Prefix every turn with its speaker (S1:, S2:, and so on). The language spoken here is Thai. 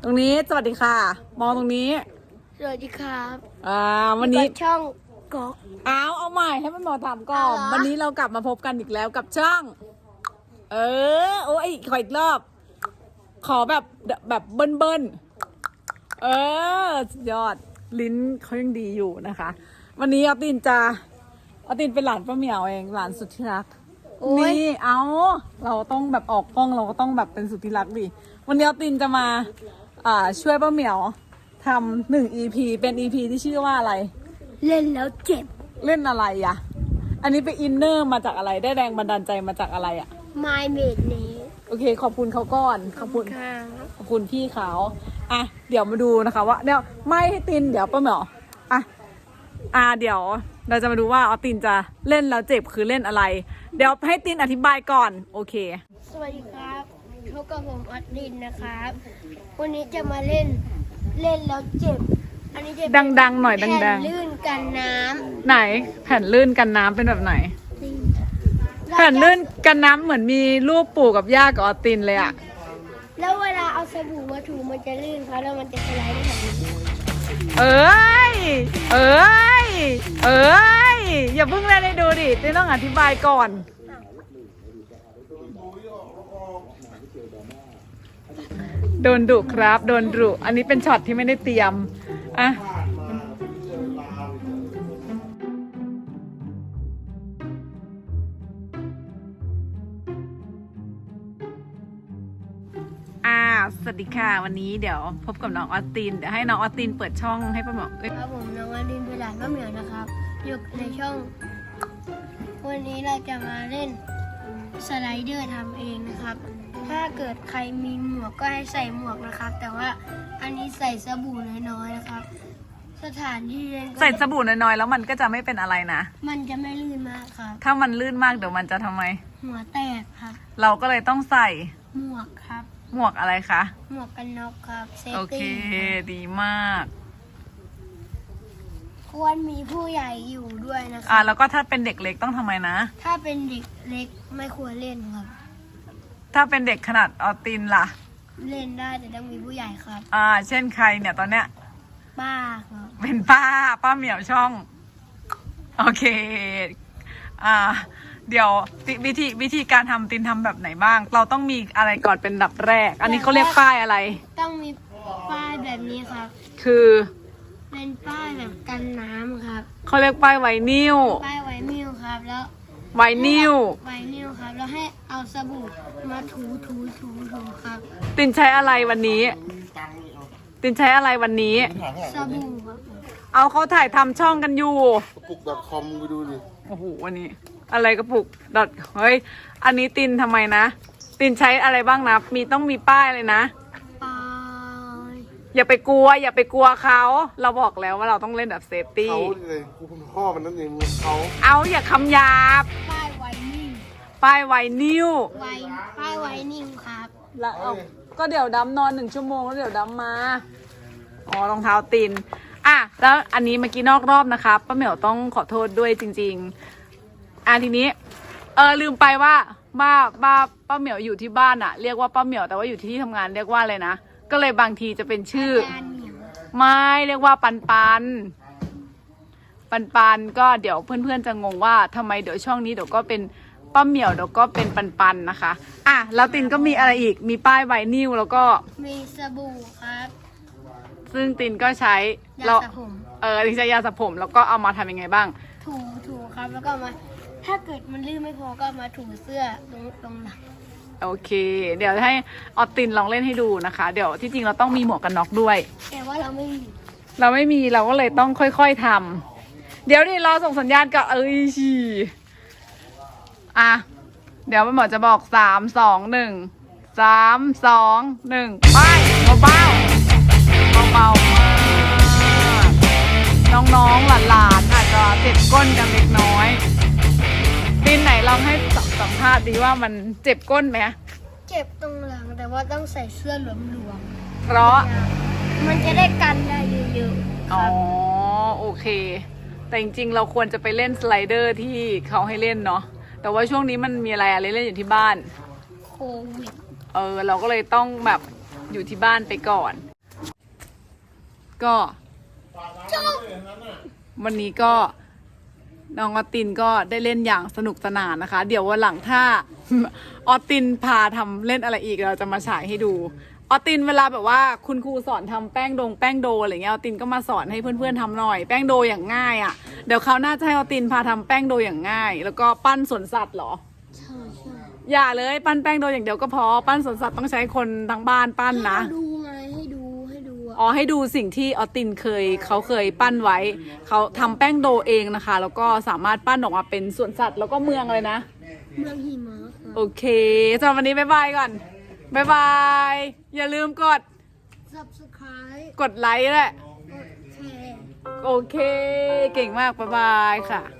S1: ตรงนี้สวัสดีค่ะมองตรงนี้
S2: สวัสดีครับ
S1: วันนี้
S2: ช่องก๊อก
S1: เอาใหม่ให้มันหมอถามก่อนวันนี้เรากลับมาพบกันอีกแล้วกับช่องโอ้ยขออีกรอบขอแบบเบิ้ลสุดยอดลิ้นเขายังดีอยู่นะคะวันนี้อาตินเป็นหลานป้าเหมียวเองหลานสุดที่รักนี่เราต้องแบบออกกล้องเราก็ต้องแบบเป็นสุดที่รักดิวันนี้อาตินจะมาช่วยป้าเหมียวทำ1 EP เป็น EP ที่ชื่อว่าอะไร
S2: เล่นแล้วเจ็บ
S1: เล่นอะไรอะอันนี้ไปอินเนอร์มาจากอะไรได้แรงบันดาลใจมาจากอะไรอะ
S2: My m a d นี้
S1: โอเคขอบคุณเขาก่อนขอบคุณพี่เขาเดี๋ยวมาดูนะคะว่าเดี๋ยวไม่ให้ตินเดี๋ยวป้าเหมียวเดี๋ยวเราจะมาดูว่าออตินจะเล่นแล้วเจ็บคือเล่นอะไรเดี๋ยวให้ตินอธิบายก่อนโอเค
S2: สวัสดีครับพบกับผมออตินนะครับวันนี้จะมาเล่นแล้วเจ็บอันนี้จะ
S1: ดังๆหน่อยดังๆ
S2: แผ่นลื่นกันน้
S1: ำไหนแผ่นลื่นกันน้ำเป็นแบบไหนแผ่นลื่นกันน้ำเหมือนมีรูปปู่กับย่ากับออตินเลยอะ
S2: แล้วเวลาเอาสบู่มาถูมันจะลื่นครับแล้วมันจะสไลด์ได้แบบนี้
S1: อย่าเพิ่งเล่นให้ดูดิตินต้องอธิบายก่อนโดนดุครับโดนดุอันนี้เป็นช็อตที่ไม่ได้เตรียมสวัสดีค่ะวันนี้เดี๋ยวพบกับน้องออตินเดี๋ยวให้น้องออตินเปิดช่องให้ป้าเหมียว
S2: ครับผมน้องออตินเป็นหลานป้าเหมียวนะครับอยู่ในช่องวันนี้เราจะมาเล่นสไลเดอร์ทำเองนะครับถ้าเกิดใครมีหมวกก็ให้ใส่หมวกนะครับแต่ว่าอันนี้ใส่สบู่น้อยๆนะครับสถานที่เล่น
S1: ใส่สบู่น้อยๆแล้วมันก็จะไม่เป็นอะไรนะ
S2: มันจะไม่ลื่นมากครับ
S1: ถ้ามันลื่นมากเดี๋ยวมันจะทำไม
S2: หัวแตกครับ
S1: เราก็เลยต้องใส่
S2: หมวกครับ
S1: หมวกอะไรคะ
S2: หมวกกันน็อกครับเซฟตี้
S1: โอเคดีมาก
S2: ควรมีผู้ใหญ่อยู่ด้วยนะคะ
S1: แล้วก็ถ้าเป็นเด็กเล็กต้องทำไมนะ
S2: ถ้าเป็นเด็กเล็กไม่ควรเล่นครับ
S1: ถ้าเป็นเด็กขนาดออตินล่ะ
S2: เล่นได้แต่ต้องมีผู้ใหญ่ครับ
S1: เช่นใครเนี่ยตอนเนี้ย
S2: ป้าครับ
S1: เป็นป้าเหมียวช่องโอเคเดี๋ยววิธีการทำตินทำแบบไหนบ้างเราต้องมีอะไรก่อนเป็นอันดับแรกอันนี้เขาเรียกป้ายอะไร
S2: ต้องมีป้ายแบบนี้ครับ
S1: คือ
S2: เป็นป้ายแบบกันน้ำครับ
S1: เขาเรียกป้ายไวนิล
S2: ป้ายไวนิลครับแล้ว
S1: ไวนิล
S2: ครับแล้วให้เอาสบู่มาถูครับ
S1: ตินใช้อะไรวันนี้ส
S2: บู่ครับ
S1: เอาเขาถ่ายทำช่องกันอยู่
S3: กระปุก .com ไปดูดิ
S1: โอ้โหวันนี้อะไรกระปุกเฮ้ยอันนี้ตินทำไมนะตินใช้อะไรบ้างนะต้องมีป้ายเลยนะอย่าไปกลัวเขาเราบอกแล้วว่าเราต้องเล่นแบบเซฟตี้
S3: เขาเลยกูเป็นพ่อมันนั่นเองเขา
S1: อย่าคำหยาบ
S2: ป้ายไวนิล
S1: ป้ายไวนิล
S2: ครับ
S1: แล้วก็เดี๋ยวดำนอน1 ชั่วโมงแล้วเดี๋ยวดำมารองเท้าตินแล้วอันนี้เมื่อกี้นอกรอบนะคะป้าเหมียวต้องขอโทษด้วยจริงๆทีนี้ลืมไปว่าป้าเหมียวอยู่ที่บ้านเรียกว่าป้าเหมียวแต่ว่าอยู่ที่ทำงานเรียกว่าอะไรนะก็เลยบางทีจะเป็นชื่อไม่เรียกว่าปันก็เดี๋ยวเพื่อนๆจะงงว่าทำไมเดี๋ยวช่องนี้เดี๋ยวก็เป็นป้าเหมียวเดี๋ยวก็เป็นปันนะคะแล้วตินก็มีอะไรอีกมีป้ายไวนิลแล้วก็
S2: มีสบู่ครับ
S1: ซึ่งตินก็ใช้
S2: ยาสระผม
S1: ตินใช้ยาสระผมแล้วก็เอามาทำยังไงบ้าง
S2: ถูครับแล้วก็มาถ้าเกิดมันลื่นไม่พอก็มาถูเสื้อตรงหลัง
S1: โอเคเดี๋ยวให้ออตินลองเล่นให้ดูนะคะเดี๋ยวที่จริงเราต้องมีหมวกกันน็อกด้วย
S2: แต่ว่าเราไม่มี
S1: เราก็เลยต้องค่อยๆทำเดี๋ยวนี่รอส่งสัญญาณกับเดี๋ยวหมอจะบอก3 2 1 3 2 1ไปเบาๆมากน้องๆหลานอาจจะเจ็บก้นกันเล็กน้อยตินไหนลองให้สัมภาษณ์ดีว่ามันเจ็บก้นไหม
S2: เจ็บตรงหลังแต่ว่าต้องใส่เสื้อหลวม
S1: เพราะ
S2: มันจะได้กันได้เยอะๆ
S1: โอเคแต่จริงๆเราควรจะไปเล่นสไลเดอร์ที่เขาให้เล่นเนาะแต่ว่าช่วงนี้มันมีอะไรเล่นอยู่ที่บ้าน
S2: โควิด
S1: เราก็เลยต้องแบบอยู่ที่บ้านไปก่อนก็วันนี้ก็น้องออตินก็ได้เล่นอย่างสนุกสนานนะคะ เดี๋ยววันหลังถ้า ออตินพาทำเล่นอะไรอีกเราจะมาฉายให้ดูออตินเวลาแบบว่าคุณครูสอนทำแป้งโดอะไรเงี้ยออตินก็มาสอนให้เพื่อนๆทำหน่อยแป้งโดอย่างง่ายอะ่ะเดี๋ยวเขาวหน่าจะให้ออตินพาทำแป้งโดอย่างง่าย แล้วก็ปั้นสวนสัตว์เหรอ
S2: ใช่ใช่
S1: อย่าเลยปั้นแป้งโดอย่างเดียวก็พอปั้นสวนสัตว์ต้องใช้คนทั้งบ้านปั้นนะ
S2: ดูไงให้ดูอะ
S1: อ๋อให้ดูสิ่งที่ออตินเขาเคยปั้นไว้เขาทำแป้งโดเองนะคะ แล้วก็สามารถปั้นออกมาเป็นสวนสัตว์แล้วก็เมืองเลยนะ
S2: เมืองหิมะครับ
S1: โอเคสำหรับวันนี้บ๊ายบายก่อนบ๊ายบายอย่าลืมกด
S2: subscribe
S1: กดไลค์แหละ
S2: กดแชร์
S1: โอเค เก่งมากบ๊ายบายค่ะ